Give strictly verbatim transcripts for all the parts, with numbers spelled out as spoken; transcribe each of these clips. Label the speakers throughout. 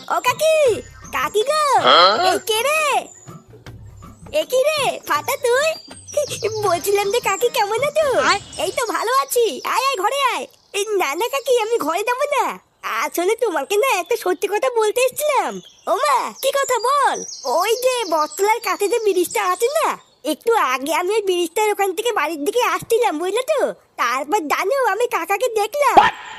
Speaker 1: ও কাকি, কাকি গো, এই কে রে? এ কি রে ফাটা তুই? বলছিলাম যে কাকি কেমন আছো? এই তো ভালো আছি, আয় আয় ঘরে আয়। এই না না কাকি, আমি ঘরে যাবো না। আসলে তোমাকে না একটা সত্যি কথা বলতে এসেছিলাম। ও মা, কি কথা বল? ওই যে বটতলার কাছে যে ব্রিজটা আছে না, একটু আগে আমি ওই ব্রিজটার ওখান থেকে বাড়ির দিকে আসছিলাম, বুঝলে তো? তারপর জানো আমি কাকাকে দেখলাম।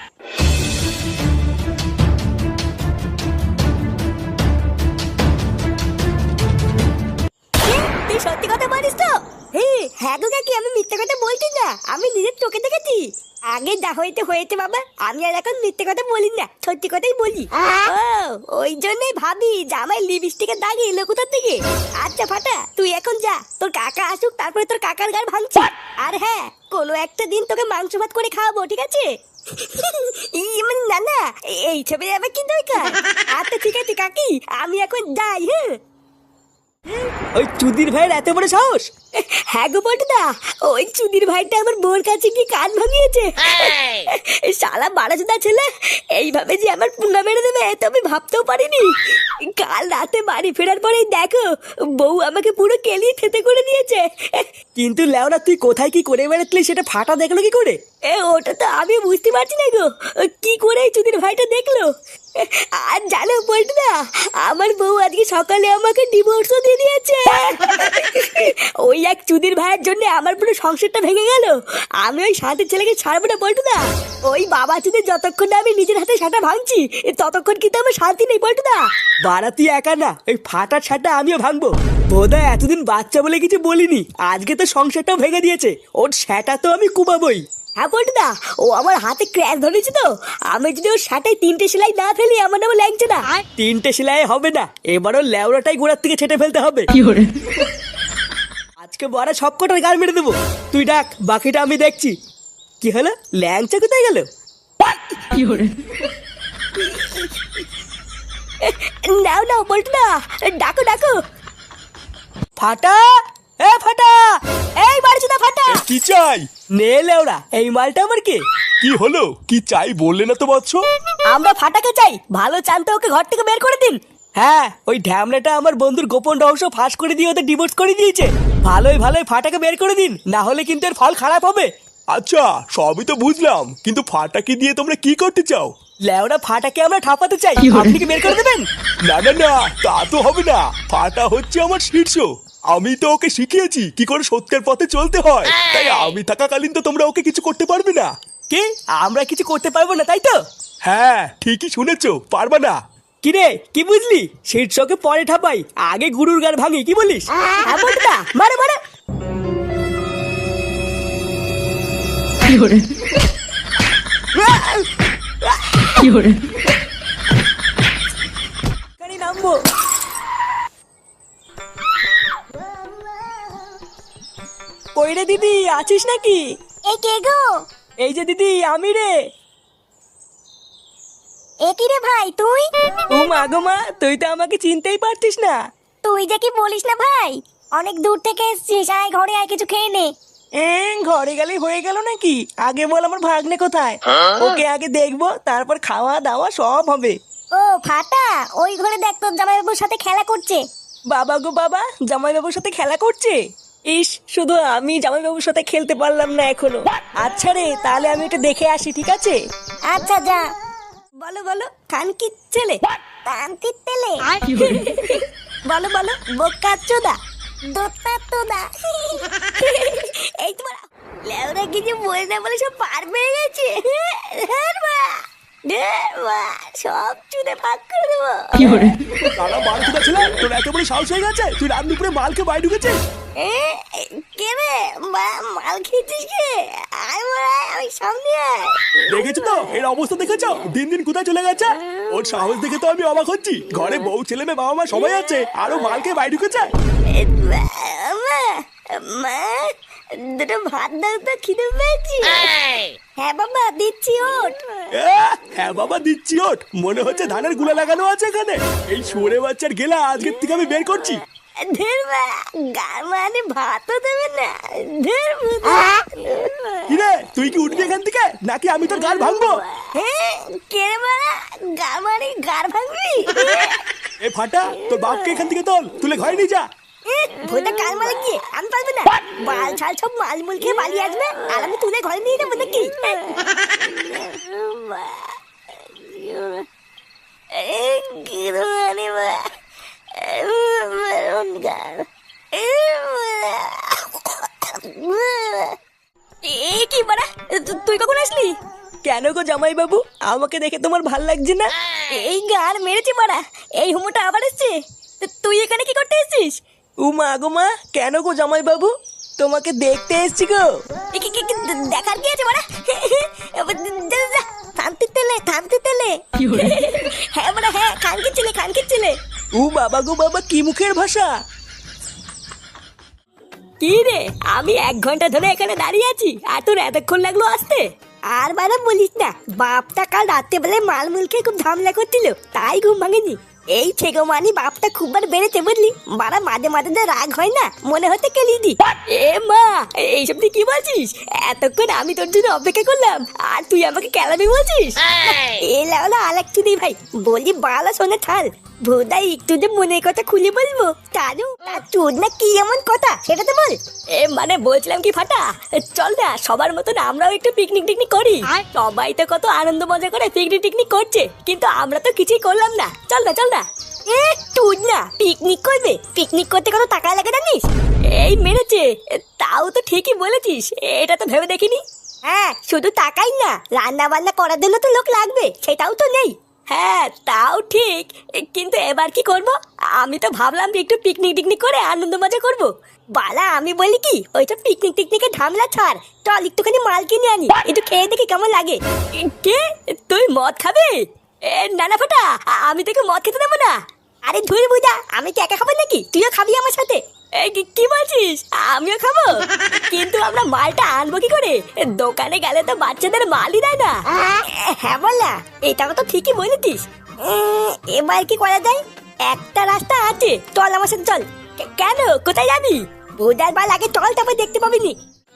Speaker 1: তুই সত্যি কথা বলিস তো? হ্যাঁ গো কাকি, আমি মিথ্যে কথা বলছি না, আমি নিজের চোখে দেখেছি। আগে যা হইতে হয়েছে বাবা, আমি আর এখন মিথ্যে কথা বলি না, সত্যি কথাই বলি। ও, ওই জন্যই ভাবি জামাই লিপস্টিকের দাগ এলো কোথা থেকে। আচ্ছা ফাটা, তুই এখন যা, তোর কাকা আসুক, তারপরে তোর কাকার গাল ভাঙছি। আর হ্যাঁ, কোনো একটা দিন তোকে মাংস ভাত করে খাওয়াবো, ঠিক আছে? মানে না না, এই ছবি আবার কি দরকার? আচ্ছা ঠিক আছে কাকি, আমি এখন যাই। হ্যাঁ,
Speaker 2: ওই চুদির ভাইয়ের এত বড় সাহস!
Speaker 1: হ্যাঁ গো বটদা, ওই চুদির ভাইটা আমার বোর কাছে কি কান ভাঙিয়েছে। শালা বাড়াচোদা ছেলে, এইভাবে যে আমার পুঙ্গা মেরে দেবে তো আমি ভাবতেও পারিনি। কাল রাতে বাড়ি ফেরার পরেই দেখো, বউ আমাকে পুরো কেলিয়ে থেতে করে দিয়েছে।
Speaker 2: কিন্তু লেওরা, তুই কোথায় কি করে বেড়াতলি সেটা ফাটা দেখলো কি করে?
Speaker 1: এ ওটা তো আমি বুঝতে পারছি না গো, কি করে এই চুদির ভাইটা দেখলো। আর জানো বলটুদা, আমার বউ আজকে সকালে আমাকে ডিভোর্সও দিয়ে দিয়েছে। ওই এক চুদির ভাইয়ের জন্য আমার পুরো সংসারটা ভেঙে গেল। আমি ওই শান্তির ছেলেকে ছাড়বো না বলটুদা। ওই বাবা চুদির যতক্ষণ না আমি নিজের হাতে সাটা ভাঙছি, ততক্ষণ কিন্তু আমার শান্তি নেই বলটুদা।
Speaker 2: বাড়া তুই একা না, ওই ফাটার ছাটা আমিও ভাঙবো। বোধহয় এতদিন বাচ্চা বলে কিছু বলিনি, আজকে তো সংসারটাও ভেঙে দিয়েছে। ওর সেটা তো আমি কুবাবই।
Speaker 1: হ্যাঁ বলটুদা, ও আমার হাতে ক্র্যাশ ধরেছে তো, আমি যদি ওর শাটায় তিনটে সেলাই না ফেলি আমার নামে লাগছে না।
Speaker 2: তিনটে সেলাই হবে না, এবারও লেওড়াটাই গোড়ার থেকে ছেটে ফেলতে হবে। আজকে বড় সব কটার গাল মেরে দেবো। তুই ডাক, বাকিটা আমি দেখছি। কি হলো, ল্যাংচা কোথায় গেল?
Speaker 1: নাও নাও বলটুদা, ডাকো ডাকো।
Speaker 2: ফাটা, এ ফাটা,
Speaker 1: এই বাড়িচুদা ফাটা।
Speaker 3: কি চাই?
Speaker 2: নে লেওড়া, এই মালটা আমার কি?
Speaker 3: কি হলো, কি চাই বললে না তো বৎস?
Speaker 1: আমরা ফাটাকে চাই, ভালো চান তো ওকে ঘর থেকে বের করে দিন।
Speaker 2: হ্যাঁ, ওই ঢ্যামলাটা আমার বন্ধুর গোপন রহস্য ফাঁস করে দিয়ে ওদের ডিভোর্স করে দিয়েছে। ভালোই ভালোই ফাটাকে বের করে দিন, না হলে কিন্তু এর ফল খারাপ হবে।
Speaker 3: আচ্ছা, সবই তো বুঝলাম, কিন্তু ফাটাকে দিয়ে তোমরা কি করতে চাও?
Speaker 2: লেওড়া, ফাটাকে আমরা ঠাপাতে চাই, আপনি কি বের করে দেবেন?
Speaker 3: না না না, তা তো হবে না। ফাটা হচ্ছে আমার শীর্ষ, আমি তো ওকে শিখিয়েছি কি করে সত্যের পথে চলতে হয়, তাই আমি থাকাকালীন তো তোমরা ওকে কিছু করতে পারবে না।
Speaker 2: কি, আমরা কিছু করতে পারবো না তাই তো?
Speaker 3: হ্যাঁ, ঠিকই শুনেছো, পারবা না।
Speaker 2: কিরে, কি বুঝলি? শীর্ষকে পরে ঠাপাই, আগে গুরুর গার ভাঙি, কি বলিস?
Speaker 1: হ্যাঁ বলটুদা, মারে মারে।
Speaker 2: এখানেই নামবো। কই রে দিদি, আছিস নাকি?
Speaker 1: এ কে গো?
Speaker 2: এই যে দিদি, আমি রে।
Speaker 1: এ কি রে ভাই তুই?
Speaker 2: ও মা গো মা, তুই তো আমাকে চিনতেই পারতিস না।
Speaker 1: তুই যে কি বলিস না ভাই, অনেক দূর থেকে এসেছিস, আয় ঘরে আয়, কিছু খেয়ে নে।
Speaker 2: এ, ঘরে গেলেই হয়ে গেল নাকি? আগে বল আমার ভাগ্নে কোথায়, ওকে আগে দেখবো, তারপর খাওয়া দাওয়া সব হবে।
Speaker 1: ও ফাটা, ওই ঘরে দেখ তোর জামাইবাবুর সাথে খেলা করছে।
Speaker 2: বাবা গো বাবা, জামাইবাবুর সাথে খেলা করছে? ইস, শুধু আমি জামাইবাবুর সাথে খেলতে পারলাম না এখনো। আচ্ছা রে, তাহলে আমি এটা দেখে আসি, ঠিক আছে?
Speaker 1: আচ্ছা যা। বলো বলো, কানকির ছেলে, কানকির ছেলে। বলো বলো, বোকা চোদা, দোতা তোদা। এই তোমার লেওরা কিছু বলে না বলে সব পার পেয়ে গেছে। ধ্যার মা, ধ্যার মা, সব চুদে ভাগ করে দেবো।
Speaker 3: তারা বাড়ি থেকে ছিল, তোর এত বড় সাহস হয়ে গেছে, তুই রাত দুপুরে মালকে বাড়ি ঢুকেছিস?
Speaker 1: এ, কে রে মা- মাল খেয়েছিস কে? আয় মারা, আমি সামনে আয়।
Speaker 3: দেখেছো তো এর অবস্থা, দেখেছো দিন দিন কোথায় চলে গেছে? ওর সাহস দেখে তো আমি অবাক হচ্ছি। ঘরে বউ ছেলে মেয়ে বাবা মা সবাই আছে, আরো মালকে বাড়ি ঢুকেছে।
Speaker 1: এ, মা, মা, মা, দুটো ভাত দাও তো, খিদে পেয়েছি। হ্যাঁ বাবা দিচ্ছি, ওঠ।
Speaker 3: এ, হ্যাঁ বাবা দিচ্ছি, ওঠ। মনে হচ্ছে ধানের গুলা লাগানো আছে এখানে। এই শুয়োরে বাচ্চার গেলা আজকের থেকে আমি বের করছি।
Speaker 1: ধের মা, গার মানে ভাতও দেবে না। ধের
Speaker 3: কিরে, তুই কি উঠবি এখান থেকে নাকি আমি তোর গাল ভাঙবো?
Speaker 1: হ্যাঁ, কে রে মা, গা মানে গার ভাঙবি।
Speaker 3: এ ফাটা, তোর বাপকে এখান থেকে তোল, তুলে ঘরে নিয়ে যা।
Speaker 1: ভোটা কাল মারা গিয়ে আমি পারবো না। বাল ছাল সব মালমুল খেয়ে পালিয়ে আসবে আর আমি তুলে ঘরে নিয়ে যাবো নাকি? এ কি বাড়া, তুই কখন আসলি?
Speaker 2: কেন গো জামাই বাবু, আমাকে দেখে তোমার ভাল লাগছে না?
Speaker 1: এই গার মেরেছে মারা, এই হুমোটা আবার এসছে। তুই এখানে কি করতে এসেছিস?
Speaker 2: উমা গো মা, কেন গো জামাই বাবু, তোমাকে দেখতে এসছি গো।
Speaker 1: এ কি কি কি দেখার কি আছে মারা? থামতে তেলে থামতে তেলে। হ্যাঁ মারা হ্যাঁ, খানকে ছেলে খানকে ছেলে।
Speaker 2: ও বাবা গো বাবা, কি মুখের ভাষা!
Speaker 1: কি রে, আমি এক ঘন্টা ধরে এখানে দাঁড়িয়ে আছি আর তোর এতক্ষণ লাগলো আসতে? আর বারা বলিস না, বাপটা কাল রাত্রে বেলা মালমুল খেয়ে খুব ঝামেলা করছিল, তাই ঘুম ভাঙেনি। এই ছেগো মানি বাপটা খুব বার বেড়েছে বুঝলি, বারা মাঝে মাঝে যা রাগ হয় না, মনে হতে কেলি দি। এ মা, এইসব তুই কি বলছিস? এতক্ষণ আমি তোর জন্য অপেক্ষা করলাম আর তুই আমাকে কেলাবি বলছিস? এ লাউলা আলেক তুই ভাই, বলি বালা শোনে থাল। ভোদাই একটু যে মনের কথা খুলে বলবো, তারও তার চোদ না কি এমন কথা সেটা তো বল। এ মানে বলছিলাম কি ফাটা, চল না সবার মতন আমরাও একটু পিকনিক টিকনিক করি। সবাই তো কত আনন্দ মজা করে পিকনিক টিকনিক করছে, কিন্তু আমরা তো কিছুই করলাম না। চল না চল না। এ তুই না পিকনিক করবে? পিকনিক করতে কত টাকা লাগে জানিস? এই মেরেছে, তাও তো ঠিকই বলেছিস, এটা তো ভেবে দেখিনি। হ্যাঁ, শুধু টাকাই না, রান্না বান্না করার জন্য তো লোক লাগবে, সেটাও তো নেই। হ্যাঁ তাও ঠিক, কিন্তু এবার কি করব? আমি তো ভাবলাম যে একটু পিকনিক টিকনিক করে আনন্দ মজা করব। বালা আমি বলি কি, ওইটা পিকনিক টিকনিকে ঝামেলা ছাড়, চল একটুখানি মাল কিনে আনি, একটু খেয়ে দেখি কেমন লাগে। কে, তুই মদ খাবে? এ না না ফাটা, আমি তোকে মদ খেতে দেবো না। আরে ধুর বুঝা, আমি কি একা খাবো নাকি? তুইও খাবি আমার সাথে? এই কি বলছিস? আমিও খাবো, কিন্তু আমরা মালটা আনবো কি করে? দোকানে গেলে তো বাচ্চাদের মালই দেয় না। হ্যাঁ বললা, এটাও তো ঠিকই বলেছিস। এবার কি করা যায়? একটা রাস্তা আছে, চল আমার সাথে চল। কেন, কোথায় যাবি? বুধার বাল আগে চল, তারপর দেখতে পাবি নি।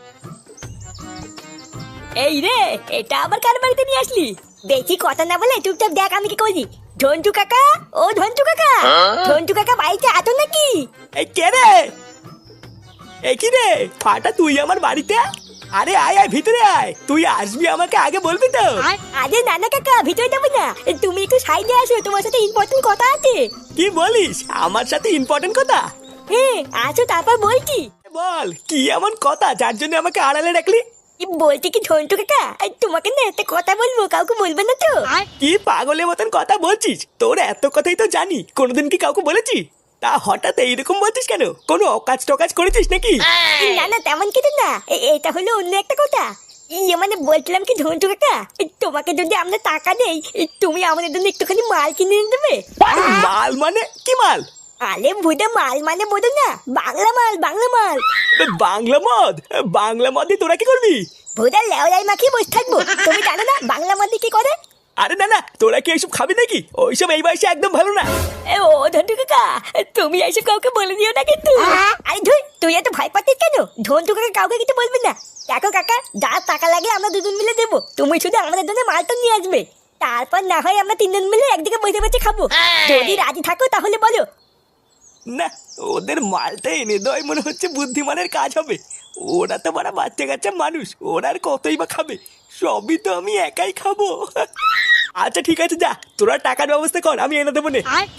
Speaker 1: এই রে, এটা আবার কার বাড়িতে নিয়ে আসলি? বেশি কথা না বলে চুপচাপ দেখ আমি কি করি। ঝন্টু কাকা, ও ঝন্টু কাকা, ঝন্টু কাকা বাড়িতে আছো নাকি?
Speaker 2: এই কে রে? এই কি রে ফাটা, তুই আমার বাড়িতে? আরে আয় আয়, ভিতরে আয়। তুই আসবি আমাকে আগে বলবি তো।
Speaker 1: আরে নানা কাকা, ভিতরে যাবো না, তুমি একটু সাইডে আসো, তোমার সাথে ইম্পর্টেন্ট কথা আছে।
Speaker 2: কি বলিস, আমার সাথে ইম্পর্টেন্ট কথা?
Speaker 1: হ্যাঁ আসো, তারপর বলছি।
Speaker 2: বল, কি এমন কথা যার জন্য আমাকে আড়ালে রাখলি?
Speaker 1: বলছি কি ঝন্টু কাকা, তোমাকে না একটা কথা বলবো, কাউকে বলবে না তো?
Speaker 2: কি পাগলের মতন কথা বলছিস? তোর এত কথাই তো জানি, কোনোদিন কি কাউকে বলেছি? তা হঠাৎ এইরকম বলছিস কেন? কোনো অকাজ টকাজ করেছিস নাকি?
Speaker 1: না না, তেমন কিছু না, এটা হলো অন্য একটা কথা। ইয়ে মানে বলছিলাম কি ঝন্টু কাকা, তোমাকে যদি আমরা টাকা দেই, তুমি আমাদের জন্য একটুখানি মাল কিনে এনে দেবে।
Speaker 2: মাল মানে কি মাল?
Speaker 1: আরে বুঝে মাল মানে বোঝো না, বাংলা মাল, বাংলা মাল।
Speaker 2: বাংলা মদ? বাংলা মদে তোরা কি করবি?
Speaker 1: ভোদার লেওলাই মাখিয়ে বসে থাকবো, তুমি জানো না বাংলা মদে কি করে?
Speaker 2: আরে না না, তোরা কি এইসব খাবি নাকি? ওইসব এই বয়সে একদম ভালো না।
Speaker 1: এ ও ঝন্টু কাকা, তুমি এইসব কাউকে বলে দিও না কিন্তু। আরে ধুই, তুই এত ভয় পাচ্ছিস কেন? ঝন্টু কাকা কাউকে কিছু বলবি না। দেখো কাকা, যা টাকা লাগে আমরা দুজন মিলে দেবো, তুমি শুধু আমাদের জন্য মালটা নিয়ে আসবে, তারপর না হয় আমরা তিনজন মিলে একদিকে বসে বসে খাবো। যদি রাজি থাকো তাহলে বলো।
Speaker 2: না, ওদের মালটা এনে দেওয়াই মনে হচ্ছে বুদ্ধিমানের কাজ হবে। ওরা তো বড় বাচ্চা কাচ্চা মানুষ, ওরা আর কতই বা খাবে, সবই তো আমি একাই খাবো। আচ্ছা ঠিক আছে, যা তোরা টাকার ব্যবস্থা কর, আমি এনে দেবো নে।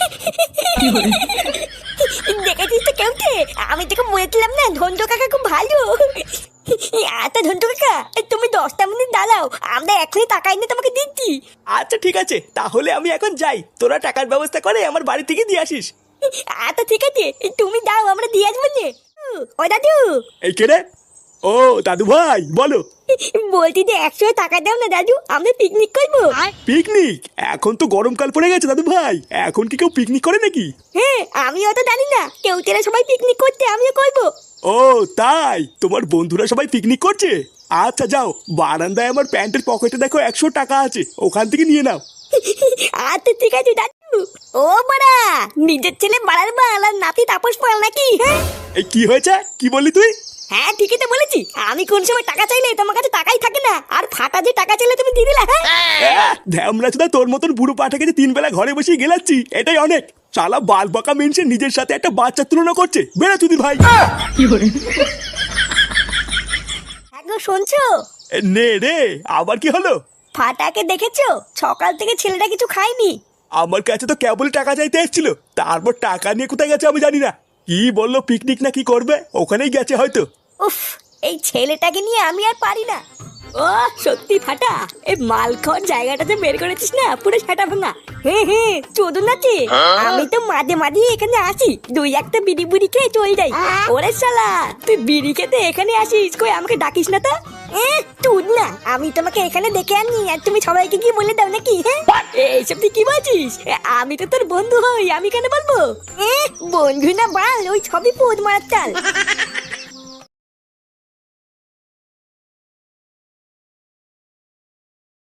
Speaker 1: দেখেছিস তো কেউকে, আমি তোকে বলেছিলাম না ঝন্টু কাকা খুব ভালো। আচ্ছা ঝন্টু কাকা, তুমি দশটা মিনিট দাঁড়াও, আমরা এখনই টাকা এনে তোমাকে দিচ্ছি।
Speaker 2: আচ্ছা ঠিক আছে, তাহলে আমি এখন যাই, তোরা টাকার ব্যবস্থা করে আমার বাড়ি থেকে দিয়ে আসিস।
Speaker 1: আচ্ছা ঠিক আছে, তুমি দাও, আমরা দিয়ে আসবো নে। ও দাদু।
Speaker 3: এই কে রে? ও দাদু ভাই, বলো।
Speaker 1: বলছি যে একশো টাকা দাও না দাদু, আমরা পিকনিক করবো।
Speaker 3: পিকনিক? এখন তো গরমকাল পড়ে গেছে দাদু ভাই, এখন কি কেউ পিকনিক করে নাকি?
Speaker 1: হ্যাঁ, আমিও তো জানি না, কেউ তেরা সবাই পিকনিক করতে, আমিও করবো।
Speaker 3: ও তাই, তোমার বন্ধুরা সবাই পিকনিক করছে? আচ্ছা যাও, বারান্দায় আমার প্যান্টের পকেটে দেখো একশো টাকা আছে, ওখান থেকে নিয়ে নাও।
Speaker 1: আচ্ছা ঠিক আছে দাদু। ও বাড়া, নিজের ছেলে বাড়ার বাল আর নাতি তাপস পাল নাকি? হ্যাঁ
Speaker 3: এই কি হয়েছে, কি বললি তুই?
Speaker 1: হ্যাঁ ঠিকই তো বলেছি, আমি কোন সময় টাকা চাইলে তোমার কাছে টাকাই থাকে না, আর ফাটা যে টাকা চাইলে তুমি দিয়ে দিলে। হ্যাঁ
Speaker 3: ধ্যামরা চোদা, তোর মতন বুড়ো পাঠাকে যে তিন বেলা ঘরে বসে গেলাচ্ছি এটাই অনেক। শালা বাল বাঁকা মেনছে নিজের সাথে একটা বাচ্চা তুলনা করছে। বেড়া চুদি ভাই।
Speaker 1: হ্যাঁ গো, শুনছো?
Speaker 3: এ, নে রে, আবার কি হলো?
Speaker 1: ফাটাকে দেখেছো? সকাল থেকে ছেলেটা কিছু খায়নি।
Speaker 3: আমার কাছে তো কেবল টাকা চাইতে এসেছিল, তারপর টাকা নিয়ে কোথায় গেছে আমি জানি না। কি বললো পিকনিক না কি করবে, ওখানেই গেছে হয়তো।
Speaker 1: উফ, এই ছেলেটাকে নিয়ে আমি আর পারি না। ও সত্যি ফাটা, এই মালখর জায়গাটাতে বের করেছিস না, পুরো সেটা ভাঙা। হ্যাঁ হ্যাঁ, চোদন আছে। আমি তো মাঝে মাঝে এখানে আসি, দুই একটা বিড়ি বুড়ি খেয়ে চলে যাই। ওরে শালা, তুই বিড়ি খেতে এখানে আসিস, কই আমাকে ডাকিস না তো? এ তুই না, আমি তোমাকে এখানে দেখে আনি আর তুমি সবাইকে কি বলে দাও নাকি? হ্যাঁ এইসব তুই কি বলছিস? এ, আমি তো তোর বন্ধু হই, আমি কেন বলবো? এ বন্ধু না বাল, ওই সবই পোদ মারার চাল।